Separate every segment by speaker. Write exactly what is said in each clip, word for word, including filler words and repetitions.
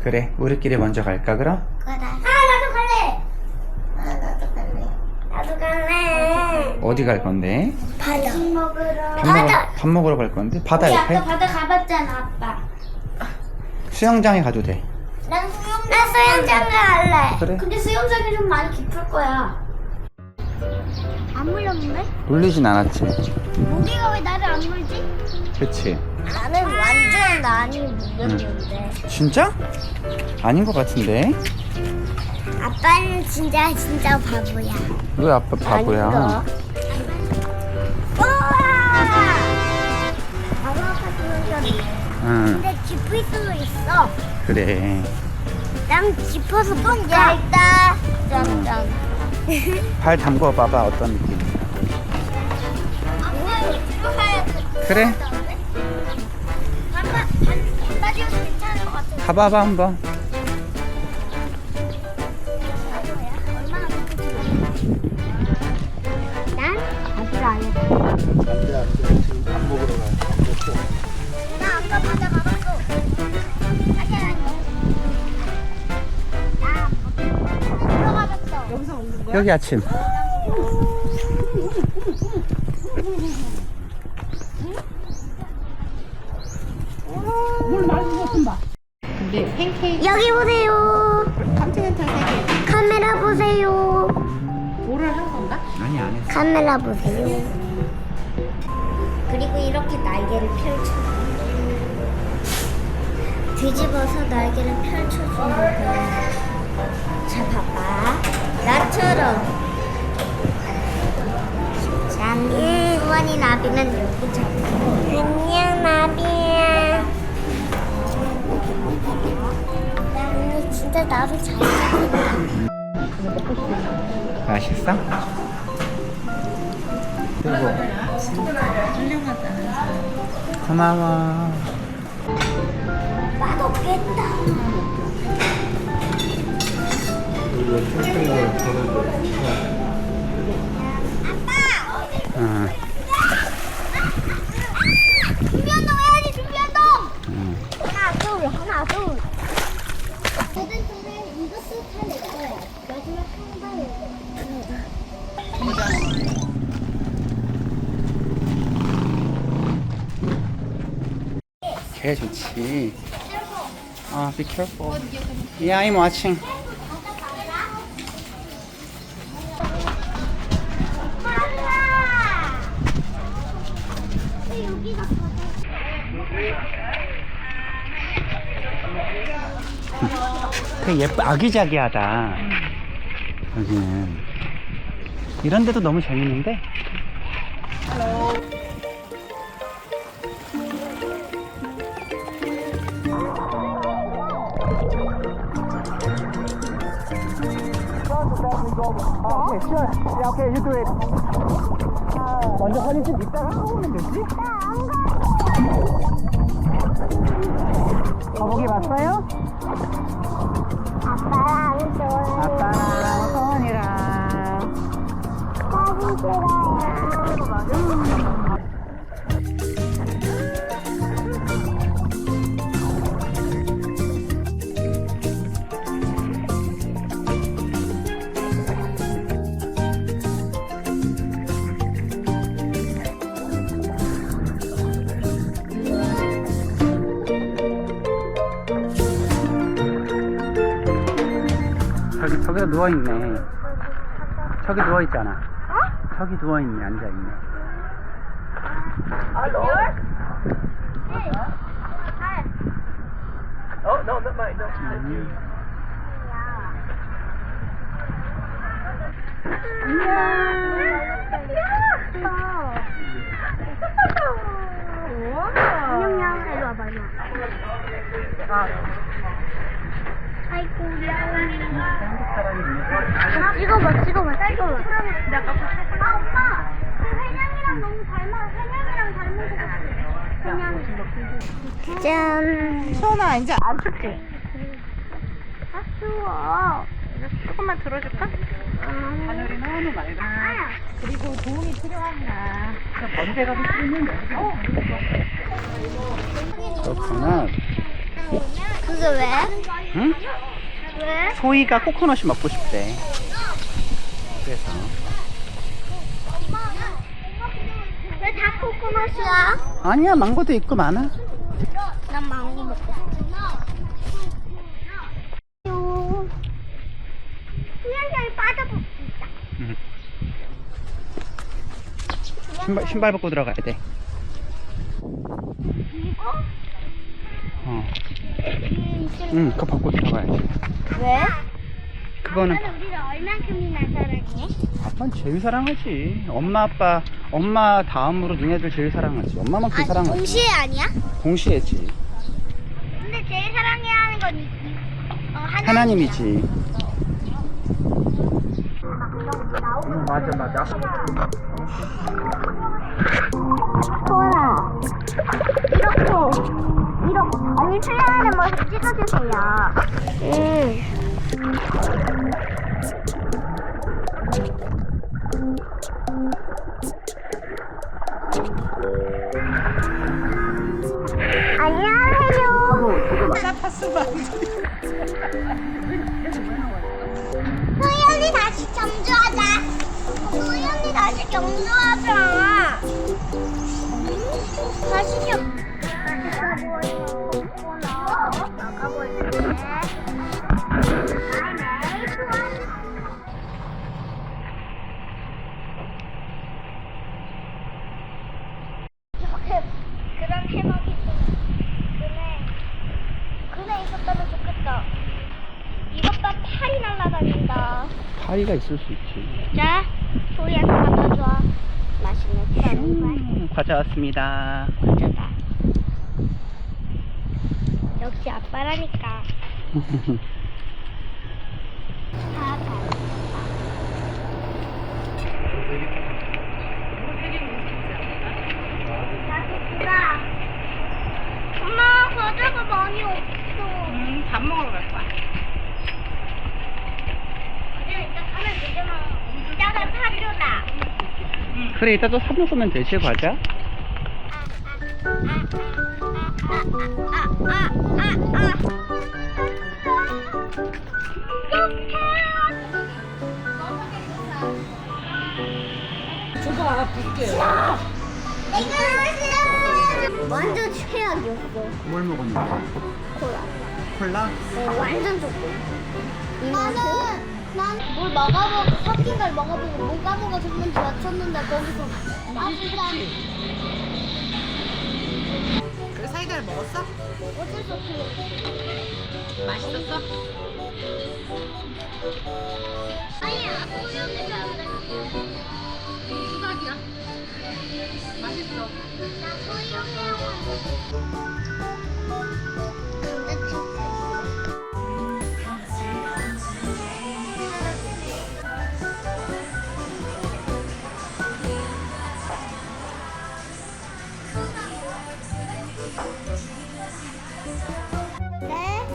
Speaker 1: 그래, 우리끼리 먼저 갈까 그럼?
Speaker 2: 그래. 아 나도 갈래. 아 나도 갈래. 나도 갈래.
Speaker 1: 어디 갈 건데?
Speaker 2: 바다. 밥 먹으러.
Speaker 1: 밥, 먹, 밥 먹으러 갈 건데? 바다
Speaker 2: 우리
Speaker 1: 옆에?
Speaker 2: 아까 바다 가봤잖아 아빠.
Speaker 1: 수영장에 가도 돼.
Speaker 2: 난 수영장. 나 수영장 갈래.
Speaker 1: 그래?
Speaker 2: 근데 수영장이 좀 많이 깊을 거야. 안 물렸는데?
Speaker 1: 물리진 않았지.
Speaker 2: 모기가 왜 나를 안 물지?
Speaker 1: 그치?
Speaker 2: 나는 완전 많이 물렸는데.
Speaker 1: 진짜? 아닌 것 같은데?
Speaker 2: 아빠는 진짜 진짜 바보야.
Speaker 1: 왜 아빠 바보야?
Speaker 2: 우와! 바로 아빠 수영장이네.
Speaker 1: 응,
Speaker 2: 근데 깊을 수도 있어.
Speaker 1: 그래.
Speaker 2: 난 깊어서 못 얇다. 짠짠.
Speaker 1: 발 담궈 봐봐, 어떤 느낌? 그래?
Speaker 2: 아빠 반바지여서 괜찮을 것 같아.
Speaker 1: 가봐봐 한번.
Speaker 2: 얼마나 난 아직 안 했어.
Speaker 3: 안돼 안돼 지금 밥 먹으러 가. 밥 먹고.
Speaker 2: 나 아까 바다 가봤어. 아니 아니. 나 들어가봤어. 여기서 먹는
Speaker 1: 여기 아침.
Speaker 4: 근데 팬케이크
Speaker 2: 여기 보세요.
Speaker 4: 컨티넨탈 세 개.
Speaker 2: 카메라 보세요.
Speaker 4: 뭐를 한 건가?
Speaker 1: 아니, 안 했어.
Speaker 2: 카메라 보세요. 그리고 이렇게 날개를 펼쳐. 뒤집어서 날개를 펼쳐주는 거야. 자, 봐봐. 나처럼. 짠. 수원이 나비는 이렇게 잡고. 안녕, 나비야. 나는 진짜 나비 잘 잡는다.
Speaker 1: 맛있어? 그리고
Speaker 4: 훌륭하다.
Speaker 1: 고마워.
Speaker 2: 맛없겠다.
Speaker 3: 이거 탱탱을 전해줘.
Speaker 1: 응,
Speaker 2: 준비운동 해야지, 준비운동!
Speaker 1: 응.
Speaker 2: 하나, 둘, 하나, 둘. 모든 분은 이것도 다 내 거야. 마지막 한 번에.
Speaker 1: 개 좋지. 아, be careful. Yeah, I'm watching.
Speaker 2: 빨라! 왜 여기가
Speaker 1: 되게 예쁘, 아기자기하다. 여기는. 이런 데도 너무 재밌는데? 오케이, sure. Yeah, okay, you do it. 먼저 사진 좀 이따가 하고 오면 되지? 거북이 봤어요?
Speaker 2: 아빠랑 좋아요.
Speaker 1: 아빠랑 서원이랑.
Speaker 2: 사진 찍어요.
Speaker 1: 저기, 저기도 누워있네. 저기 누워있잖아. 어? 저기 누워있네, 앉아있네.
Speaker 3: Oh no, not mine. No, thank you.
Speaker 2: 안녕, 일로 와봐, 일로 와. 아이고, 찍어봐, 찍어봐, 찍어봐. 아, 오빠! 그 회냥이랑 너무 닮아. 회냥이랑 닮은 것 같아. 회냥이. 짠.
Speaker 4: 소원아 이제 안 춥지?
Speaker 2: 아, 추워.
Speaker 4: 조금만 들어줄까?
Speaker 2: 음.
Speaker 4: 하늘이 너무 맑아.
Speaker 2: 아야.
Speaker 4: 그리고 도움이 필요하구나. 먼 데 가서 쓰면 여기서.
Speaker 1: 그렇구나.
Speaker 2: 그게 왜?
Speaker 1: 응?
Speaker 2: 왜?
Speaker 1: 소희가 코코넛이 먹고 싶대. 그래서.
Speaker 2: 왜 다 코코넛이야?
Speaker 1: 아니야, 망고도 있고 많아.
Speaker 2: 난 망고 먹고 싶어. 수영장에 빠져볼 수 있다.
Speaker 1: 응. 신발, 신발 벗고 들어가야 돼.
Speaker 2: 그리고
Speaker 1: 어.
Speaker 2: 음,
Speaker 1: 응, 그거 벗고 들어가야 돼.
Speaker 2: 왜?
Speaker 1: 그거는
Speaker 2: 아빠는 우리를 얼만큼이나 사랑해?
Speaker 1: 아빠는 제일 사랑하지. 엄마, 아빠, 엄마 다음으로 니네들 제일 사랑하지. 엄마만큼
Speaker 2: 아,
Speaker 1: 사랑하지.
Speaker 2: 동시에 아니야?
Speaker 1: 동시에지.
Speaker 2: 근데 제일 사랑해야 하는 건 이, 이, 어, 하나님이야.
Speaker 1: 하나님이지.
Speaker 3: 응, 맞아, 맞아.
Speaker 2: 소은아, 이렇게, 이렇게, 언니 수영하는 모습 찍어주세요. 응. 안녕하세요. 소희 언니 다시 경주하자. 소희 언니 다시 경주하자. 다시 경. 나가볼게. 이렇게 그런 해먹이 그네 그네 있었다면 좋겠다. 이것 봐, 팔이 날아다닌다.
Speaker 1: 파리가 있을 수 있지.
Speaker 2: 자, 소희한테 갖다 줘. 맛있는 수박을.
Speaker 1: 음, 과자 왔습니다.
Speaker 2: 과자다. 역시 아빠라니까. 다 봐. 나도 엄마, 과자가 많이 없어.
Speaker 4: 음, 밥 먹으러 갈 거야.
Speaker 2: 그냥 이따 가면 되잖아. 이따가 사줘다.
Speaker 1: 그래, 이따 또 사 먹으면 되지, 과자?
Speaker 4: 줘봐, 볼게.
Speaker 2: 완전 최악이었어.
Speaker 1: 뭘 먹었는데?
Speaker 2: 콜라.
Speaker 1: 콜라?
Speaker 2: 어, 완전 좋고. 나는 난뭘 먹어보고 섞인 걸 먹어보고 뭐가 뭐가 좋은지 맞췄는데 거기서 맛있다.
Speaker 4: 그 사이다를 먹었어?
Speaker 2: 어쩔 수 없지.
Speaker 4: 맛있었어?
Speaker 2: 아니야, 소유는 잘안돼.
Speaker 4: 수박이야. 맛있어.
Speaker 2: 나 소유해요. 네.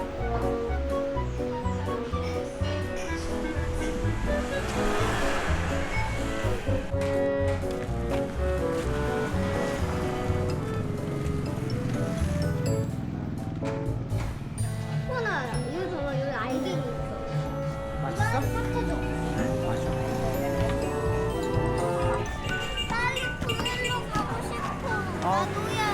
Speaker 2: 호나, 이거 봐봐, 여기 알갱이 있어.
Speaker 1: 맛있어?
Speaker 2: 삭제줘.
Speaker 1: 맛있어.
Speaker 2: 빨리 그늘로 가고 싶어.
Speaker 1: 어.
Speaker 2: 나도야.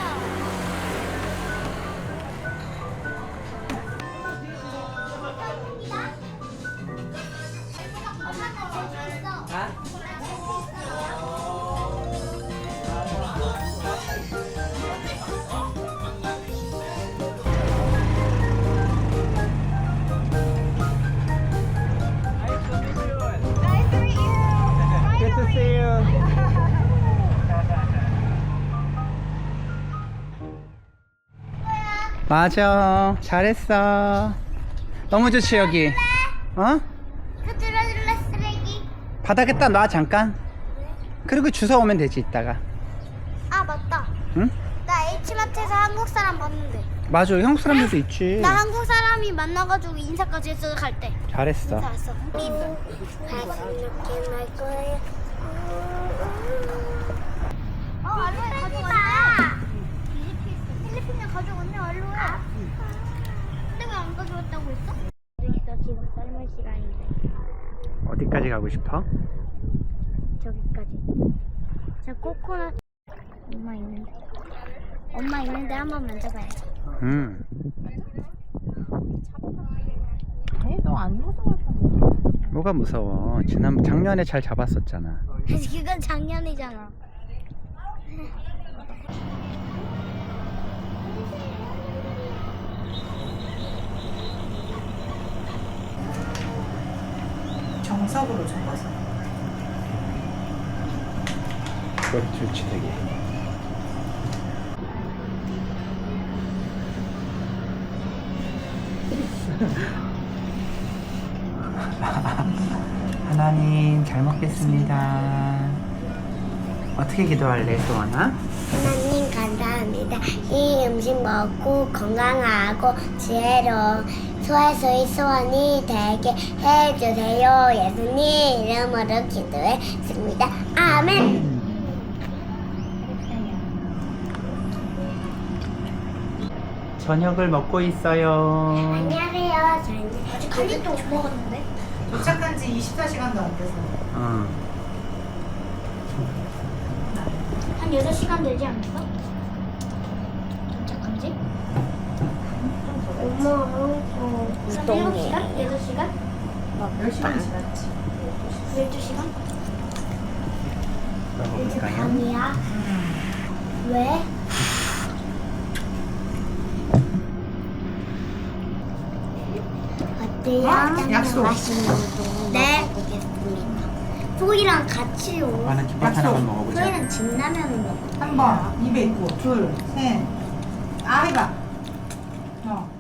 Speaker 1: Good to see you. 맞아. 잘했어. 너무 좋지, 여기. 어?
Speaker 2: 그 들어줄래, 쓰레기?
Speaker 1: 바닥에다 놔, 잠깐. 그리고 주워 오면 되지, 이따가.
Speaker 2: 아, 맞다.
Speaker 1: 응?
Speaker 2: 나 H마트에서 한국 사람 봤는데.
Speaker 1: 맞아, 한국 사람들도 있지.
Speaker 2: 나 한국 사람이 만나가지고 인사까지 했어, 갈 때.
Speaker 1: 잘했어.
Speaker 2: 인사했어. 이렇게 날 거예요. 어, 알로에 가져왔네. 필리핀 가져왔네, 알로에. 만져봐야지. 저 코코넛 엄마 있는데. 엄마 있는데 한번 만져봐야지.
Speaker 1: 음.
Speaker 4: 너안 무서워.
Speaker 1: 뭐가 무서워? 지난 작년에 잘 잡았었잖아.
Speaker 2: 그건 작년이잖아.
Speaker 4: 정석으로 접어서.
Speaker 1: 그거 좋지 되게. 하나님 잘 먹겠습니다. 어떻게 기도할래, 소원아?
Speaker 2: 하나님 감사합니다. 이 음식 먹고 건강하고 지혜로운 소아소의 소원이 되게 해주세요. 예수님 이름으로 기도했습니다. 아멘.
Speaker 1: 저녁을 먹고 있어요.
Speaker 2: 안녕하세요. 저는 아직 갈릭도 못 먹었는데.
Speaker 4: 도착한 지 이십사 시간도 안 돼서.
Speaker 1: 어.
Speaker 2: 한 여섯 시간 되지 않았어? 도착한 지? 엄마, 어, 한 일곱 시간? 여섯 시간?
Speaker 4: 열 시간 지났지.
Speaker 2: 열두 시간?
Speaker 1: 먹어볼까요?
Speaker 2: 밤이야. 왜? 어때요?
Speaker 4: 약속.
Speaker 2: 맛있는 거 네. 먹어보겠습니다. 소희랑 같이 오.
Speaker 1: 오빠는 김밥 하나만 먹어보자.
Speaker 2: 소희랑 진라면을 먹어.
Speaker 4: 한 번, 입에 있고, 둘, 셋. 아, 해봐. 어.